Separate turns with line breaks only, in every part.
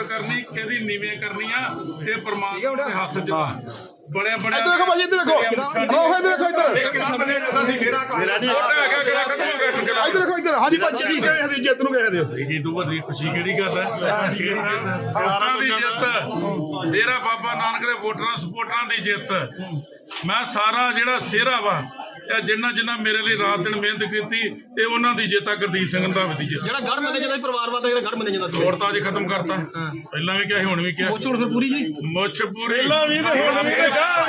ਉੱਪਰ ਕਰਨੀ ਕਿਹਦੀ ਨੀਵੇਂ ਕਰਨੀ ਆ ਇਹ ਪ੍ਰਮਾਤਮਾ ਦੇ ਹੱਥ 'ਚ ਆ। बड़े बड़े
इधर देखो भाई, इधर देखो, इधर देखो, इधर देखो, इधर हाजी भाई जी गए हैं जित ਨੂੰ ਗਏ ਦੇ
ਜੀ ਤੋਂ ਵੱਡੀ ਖੁਸ਼ੀ ਕਿਹੜੀ ਗੱਲ ਹੈ। ਵੋਟਾਂ ਦੀ ਜਿੱਤ, ਡੇਰਾ ਬਾਬਾ ਨਾਨਕ ਦੇ ਵੋਟਰਾਂ ਸਪੋਰਟਰਾਂ ਦੀ ਜਿੱਤ। ਮੈਂ ਸਾਰਾ ਜਿਹੜਾ ਸਿਹਰਾ ਵਾ ਤੇ ਜਿੰਨਾ ਜਿੰਨਾ ਮੇਰੇ ਲਈ ਰਾਤ ਦਿਨ ਮਿਹਨਤ ਕੀਤੀ ਇਹ ਉਹਨਾਂ ਦੀ ਜਿੱਤ ਆ। ਗੁਰਦੀਪ ਸਿੰਘ ਰੰਧਾਵੇ ਦੀ ਜਿੱਤ।
ਜਿਹੜਾ ਗੜ ਮੰਨਿਆ ਜਾਂਦਾ ਪਰਿਵਾਰ ਵਾਲਾ ਜਿਹੜਾ ਗੜ ਮੰਨਿਆ ਜਾਂਦਾ ਸੀ
ਵੋਟ ਤਾਂ ਅੱਜ ਖਤਮ ਕਰਤਾ। ਪਹਿਲਾਂ ਵੀ ਕਿਹਾ ਸੀ ਹੁਣ ਵੀ ਕਿਹਾ।
ਮੁੱਛ ਹੁਣ ਫਿਰ ਪੂਰੀ ਜੀ
ਮੁੱਛ ਪੂਰੀ
ਪਹਿਲਾਂ ਵੀ ਤੇ ਹੁਣ ਵੀ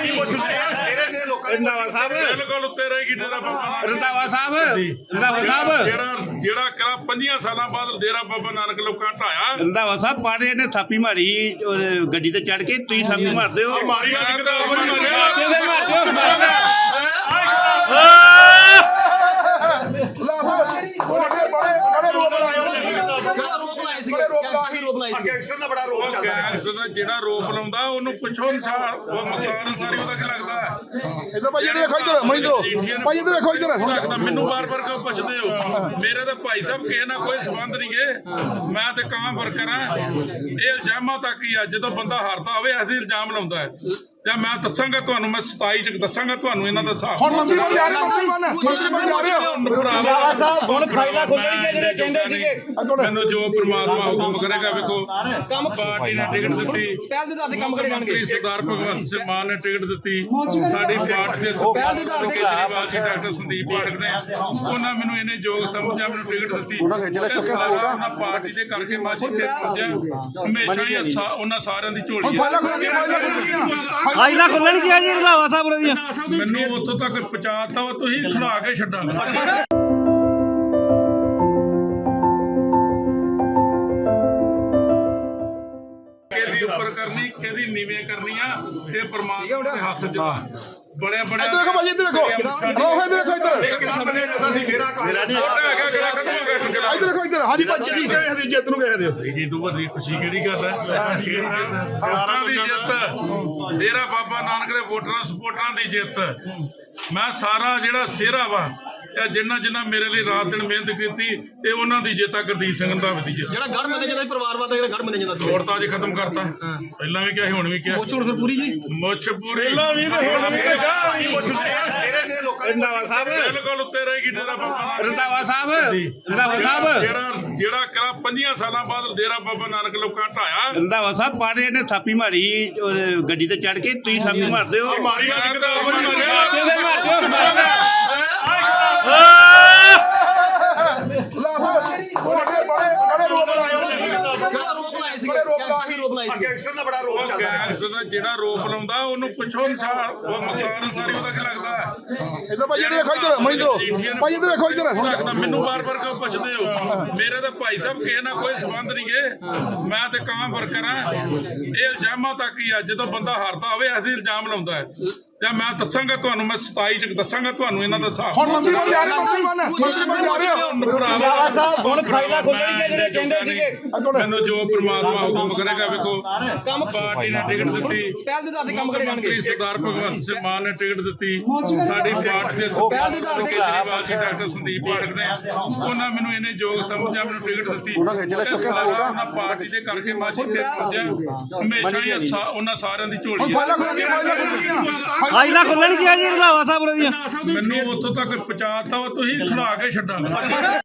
ਰੰਧਾਵਾ ਸਾਹਿਬ
ਬਿਲਕੁਲ ਉੱਤੇ ਰਹੇਗੀ ਡੇਰਾ ਬਾਬਾ ਨਾਨਕ।
ਰੰਧਾਵਾ ਸਾਹਿਬ
ਜਿਹੜਾ ਕਰਾ 5 ਸਾਲਾਂ ਬਾਅਦ ਡੇਰਾ ਬਾਬਾ ਨਾਨਕ ਲੋਕਾਂ ਢਾਇਆ।
ਰੰਧਾਵਾ ਸਾਹਿਬ ਪਾੜੇ ਨੇ ਥਾਪੀ ਮਾਰੀ ਗੱਡੀ ਤੇ ਚੜ ਕੇ, ਤੁਸੀਂ ਥਾਪੀ ਮਾਰਦੇ ਹੋ।
ਮਾਰੀ ਅੱਜ ਕਿਤਾਬ ਨਹੀਂ ਮਾਰਿਆ। ਜਿਹੜਾ ਰੋਪ ਲਾਉਂਦਾ ਉਹਨੂੰ ਪਿੱਛੋਂ ਅਨਸਾਰ ਉਹ ਮਕਾਨ ਅਨਸਾਰੀ ਉਹਦਾ ਕੀ ਲੱਗਦਾ।
ਇਧਰ ਭਾਈ ਇਧਰ ਦੇਖੋ, ਇਧਰ ਮਹਿੰਦਰੋ ਭਾਈ ਇਧਰ ਦੇਖੋ, ਇਧਰ
ਮੈਨੂੰ ਬਾਰ-ਬਾਰ ਕਿਉਂ ਪੁੱਛਦੇ ਹੋ। ਮੇਰੇ ਤਾਂ ਭਾਈ ਸਾਹਿਬ ਕਿਸੇ ਨਾਲ ਕੋਈ ਸੰਬੰਧ ਨਹੀਂ ਗੇ। ਮੈਂ ਤੇ ਕਾਂ ਵਰਕਰ ਆ। ਇਹ ਇਲਜ਼ਾਮਾਂ ਤੱਕ ਹੀ ਆ। ਜਦੋਂ ਬੰਦਾ ਹਾਰਦਾ ਹੋਵੇ ਐਸੇ ਇਲਜ਼ਾਮ ਲਾਉਂਦਾ ਹੈ। ਜਾਂ ਮੈਂ ਦੱਸਾਂਗਾ ਤੁਹਾਨੂੰ, ਮੈਂ 27 ਚ ਦੱਸਾਂਗਾ ਤੁਹਾਨੂੰ ਇਹਨਾਂ ਦਾ ਹਿਸਾਬ।
ਹੁਣ ਮੰਤਰੀ ਬਣ ਜਾ ਰਹੇ ਹੋ, ਮੰਤਰੀ ਬਣ ਜਾ ਰਹੇ ਹੋ ਸਾਹਿਬ। ਹੁਣ ਫਾਈਲਾਂ ਖੋਲਣਗੇ ਜਿਹੜੇ ਕਹਿੰਦੇ ਸੀਗੇ।
ਮੈਨੂੰ ਜੋ ਪ੍ਰਮਾਤਮਾ ਹੁਕਮ ਕਰੇਗਾ। ਵੇਖੋ ਪਾਰਟੀ ਨੇ ਟਿਕਟ ਦਿੱਤੀ,
ਪਹਿਲ ਦੇ ਦਾਦੇ ਕੰਮ ਕਰੇ ਜਾਣਗੇ।
ਸਰਦਾਰ ਭਗਵੰਤ ਸਿੰਘ ਮਾਨ ਨੇ ਟਿਕਟ ਦਿੱਤੀ, ਸਾਡੀ ਪਾਰਟੀ ਦੇ ਕੇਜਰੀਵਾਲ ਜੀ, ਡਾਕਟਰ ਸੰਦੀਪ ਪਾਠਕ ਨੇ, ਉਹਨਾਂ ਮੈਨੂੰ ਇਹਨੇ ਯੋਗ ਸਮਝਿਆ, ਮੈਨੂੰ ਟਿਕਟ ਦਿੱਤੀ। ਸਾਰਾ ਉਹਨਾਂ ਪਾਰਟੀ ਦੇ ਕਰਕੇ ਮੈਂ ਜਿੱਥੇ ਪਹੁੰਚਿਆ। ਹਮੇਸ਼ਾ ਹੀ ਉਹਨਾਂ ਸਾਰਿਆਂ ਦੀ ਝੋਲੀ
ਫਾਈਲਾਂ ਖੋਲਣ ਗਿਆ ਜੀ ਰੰਧਾਵਾ ਸਾਹਿਬ ਉਹਦੀਆਂ।
ਮੈਨੂੰ ਉੱਥੋਂ ਤੱਕ ਪਹੁੰਚਾਤਾ ਵਾ, ਤੁਸੀਂ ਖੜਾ ਕੇ ਛੱਡਾਂਗੇ। ਕਿਹਦੀ ਉੱਪਰ ਕਰਨੀ ਕਿਹਦੀ ਨੀਵੇਂ ਕਰਨੀ ਆ ਇਹ ਪ੍ਰਮਾਤਮਾ ਦੇ ਹੱਥ 'ਚ ਆ। ਬੜੇ ਬੜੇ
ਇਧਰ ਦੇਖੋ ਭਾਈ, ਇਧਰ ਦੇਖੋ, ਇਧਰ ਦੇਖੋ, ਇਧਰ ਇਧਰ ਦੇਖੋ, ਇਧਰ ਹਾਜੀ ਭਾਈ ਜੀ ਗਏ हैं ਜਿਤ ਨੂੰ ਗਏ ਦੇ
ਜੀ ਤੋਂ ਵੱਡੀ ਖੁਸ਼ੀ ਕਿਹੜੀ ਗੱਲ ਹੈ। ਵੋਟਾਂ ਦੀ ਜਿੱਤ, ਡੇਰਾ ਬਾਬਾ ਨਾਨਕ ਦੇ ਵੋਟਰਾਂ ਸਪੋਰਟਰਾਂ ਦੀ ਜਿੱਤ। ਮੈਂ ਸਾਰਾ ਜਿਹੜਾ ਸਿਹਰਾ ਵਾ ਤੇ ਜਿੰਨਾ ਜਿੰਨਾ ਮੇਰੇ ਲਈ ਰਾਤ ਦਿਨ ਮਿਹਨਤ ਕੀਤੀ ਇਹ ਉਹਨਾਂ ਦੀ ਜਿੱਤ ਆ। ਗੁਰਦੀਪ ਸਿੰਘ ਰੰਧਾਵੇ ਦੀ ਜਿੱਤ।
ਜਿਹੜਾ ਗੜ ਮੰਨਿਆ ਜਾਂਦਾ ਪਰਿਵਾਰ ਵਾਲਾ ਜਿਹੜਾ ਗੜ ਮੰਨਿਆ ਜਾਂਦਾ ਸੀ
ਵੋਟ ਤਾਂ ਅੱਜ ਖਤਮ ਕਰਤਾ। ਪਹਿਲਾਂ ਵੀ ਕਿਹਾ ਸੀ ਹੁਣ ਵੀ ਕਿਹਾ।
ਮੁੱਛ ਹੁਣ ਫਿਰ ਪੂਰੀ ਜੀ
ਮੁੱਛ ਪੂਰੀ
ਪਹਿਲਾਂ ਵੀ ਤੇ ਹੁਣ ਵੀ ਰੰਧਾਵਾ ਸਾਹਿਬ
ਬਿਲਕੁਲ ਉੱਤੇ ਰਹੇਗੀ ਡੇਰਾ ਬਾਬਾ ਨਾਨਕ।
ਰੰਧਾਵਾ ਸਾਹਿਬ
ਜਿਹੜਾ ਕਰਾ 5 ਸਾਲਾਂ ਬਾਅਦ ਡੇਰਾ ਬਾਬਾ ਨਾਨਕ ਲੋਕਾਂ ਢਾਇਆ।
ਰੰਧਾਵਾ ਸਾਹਿਬ ਪਾੜੇ ਨੇ ਥਾਪੀ ਮਾਰੀ ਗੱਡੀ ਤੇ ਚੜ ਕੇ, ਤੁਸੀਂ ਥਾਪੀ ਮਾਰਦੇ ਹੋ।
ਮਾਰੀ ਅੱਜ ਕਿਤਾਬ ਨਹੀਂ ਮਾਰਿਆ। ਜਿਹੜਾ ਰੋਪ ਲਾਉਂਦਾ ਉਹਨੂੰ ਪਿੱਛੋਂ ਅਨਸਾਰ ਉਹ ਮਕਾਨ ਅਨਸਾਰੀ ਉਹਦਾ ਕੀ ਲੱਗਦਾ।
ਇਧਰ ਭਾਈ ਇਧਰ ਦੇਖੋ, ਇਧਰ ਮਹਿੰਦਰੋ ਭਾਈ ਇਧਰ ਦੇਖੋ, ਇਧਰ
ਮੈਨੂੰ ਬਾਰ-ਬਾਰ ਕਿਉਂ ਪੁੱਛਦੇ ਹੋ। ਮੇਰੇ ਤਾਂ ਭਾਈ ਸਾਹਿਬ ਕਿਸੇ ਨਾਲ ਕੋਈ ਸੰਬੰਧ ਨਹੀਂ ਗੇ। ਮੈਂ ਤੇ ਕਾਂ ਵਰਕਰ ਆ। ਇਹ ਇਲਜ਼ਾਮਾਂ ਤੱਕ ਹੀ ਆ। ਜਦੋਂ ਬੰਦਾ ਹਾਰਦਾ ਹੋਵੇ ਐਸੇ ਇਲਜ਼ਾਮ ਲਾਉਂਦਾ ਹੈ। ਜਾਂ ਮੈਂ ਦੱਸਾਂਗਾ ਤੁਹਾਨੂੰ, ਮੈਂ 27 ਚ ਦੱਸਾਂਗਾ ਤੁਹਾਨੂੰ ਇਹਨਾਂ ਦਾ ਹਿਸਾਬ।
ਹੁਣ ਮੰਤਰੀ ਬਣ ਜਾ ਰਹੇ ਹੋ, ਮੰਤਰੀ ਬਣ ਜਾ ਰਹੇ ਹੋ।
ਹੁਣ ਫਾਈਲਾਂ ਖੋਲਣਗੇ ਜਿਹੜੇ ਕਹਿੰਦੇ ਸੀਗੇ।
ਮੈਨੂੰ ਜੋ ਪ੍ਰਮਾਤਮਾ ਹੁਕਮ ਕਰੇਗਾ। ਵੇਖੋ ਪਾਰਟੀ ਨੇ ਟਿਕਟ ਦਿੱਤੀ,
ਪਹਿਲ ਦੇ ਦਾਦੇ ਕੰਮ ਕਰੇ ਜਾਣਗੇ।
ਸਰਦਾਰ ਭਗਵੰਤ ਸਿੰਘ ਮਾਨ ਨੇ ਟਿਕਟ ਦਿੱਤੀ, ਸਾਡੀ ਪਾਰਟੀ ਦੇ ਕੇਜਰੀਵਾਲ ਜੀ, ਡਾਕਟਰ ਸੰਦੀਪ ਪਾਠਕ ਨੇ, ਉਹਨਾਂ ਮੈਨੂੰ ਇਹਨੇ ਯੋਗ ਸਮਝਿਆ, ਮੈਨੂੰ ਟਿਕਟ ਦਿੱਤੀ। ਸਾਰਾ ਉਹਨਾਂ ਪਾਰਟੀ ਦੇ ਕਰਕੇ ਮੈਂ ਜਿੱਥੇ ਪਹੁੰਚਿਆ। ਹਮੇਸ਼ਾ ਹੀ ਉਹਨਾਂ ਸਾਰਿਆਂ ਦੀ ਝੋਲੀ
ਫਾਈਲਾਂ ਖੋਲਣ ਗਿਆ ਜੀ ਰੰਧਾਵਾ ਸਾਹਿਬ ਉਹਦੀਆਂ।
ਮੈਨੂੰ ਉੱਥੋਂ ਤੱਕ ਪਹੁੰਚਾਤਾ ਵਾ, ਤੁਸੀਂ ਖੜਾ ਕੇ ਛੱਡਾਂਗੇ।